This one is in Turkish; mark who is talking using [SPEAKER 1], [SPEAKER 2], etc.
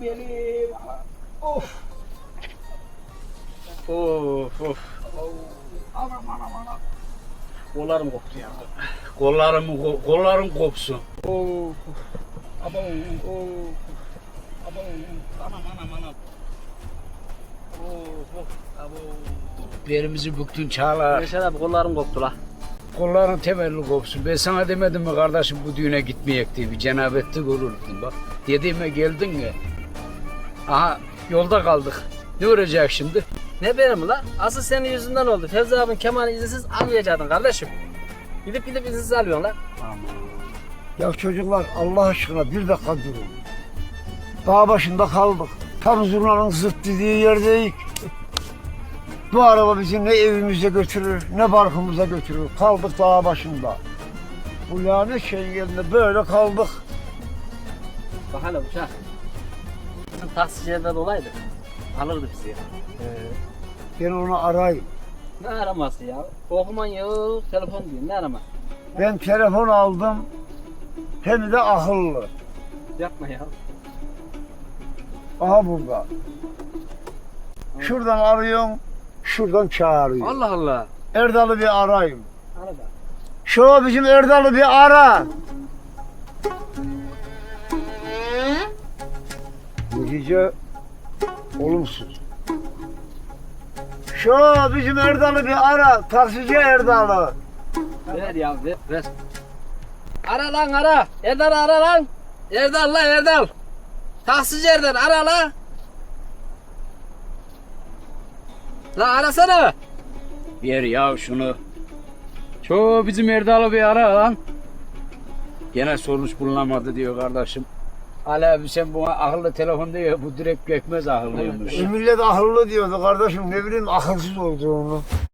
[SPEAKER 1] gelim. Of. Of of. Anam. Kollarım koptu ya. Kollarım kopsun. Of. Abo. Of. Abo. Anam. Of. Abo. Belimizi büktün Çağlar.
[SPEAKER 2] Yaşar abi kollarım koptu la.
[SPEAKER 1] Kolların temelli kopsun. Ben sana demedim mi kardeşim bu düğüne gitmeyek diye bir cenabetlik olurdun bak. Dediğime geldin ya. Aha yolda kaldık. Ne olacak şimdi?
[SPEAKER 2] Ne benim la? Asıl senin yüzünden oldu. Fevzi abin kemanı izinsiz almayacaktın kardeşim. Gidip izinsiz alıyorsun la.
[SPEAKER 3] Ya çocuklar Allah aşkına bir dakika durun. Dağ başında kaldık. Tam zurnanın zırt dediği yerdeyiz. Bu araba bizi ne evimize götürür ne barkımıza götürür. Kaldık dağ başında. Bu lanet şeyin yerinde böyle kaldık.
[SPEAKER 2] Bak hele uçak. Bizim taksicilerden olaydı. Alırdı bizi ya.
[SPEAKER 3] Ben onu arayayım.
[SPEAKER 2] Ne araması ya? Okuman yok, telefon diyor. Ne arama?
[SPEAKER 3] Ben telefon aldım. Hem de akıllı.
[SPEAKER 2] Yapma ya.
[SPEAKER 3] Aha burada. Şuradan arıyorum. Şuradan çağırıyor.
[SPEAKER 2] Allah Allah.
[SPEAKER 3] Erdal'ı bir arayayım.
[SPEAKER 2] Arada.
[SPEAKER 3] Şu bizim Erdal'ı bir ara. Netice olumsuz. Şu bizim Erdal'ı bir ara. Taksici Erdal'ı.
[SPEAKER 2] Ver ya ver. Ara lan ara. Erdal ara lan. Erdal la Erdal. Taksici Erdal ara la. La arasana.
[SPEAKER 1] Ver ya şunu. Şu bizim Erdal'ı bir ara lan. Gene sonuç bulunamadı diyor kardeşim. Ali abi sen buna akıllı telefon diyor. Bu direkt gökmez akıllıymış.
[SPEAKER 3] Millet akıllı diyordu kardeşim. Ne bileyim akılsız olduğunu.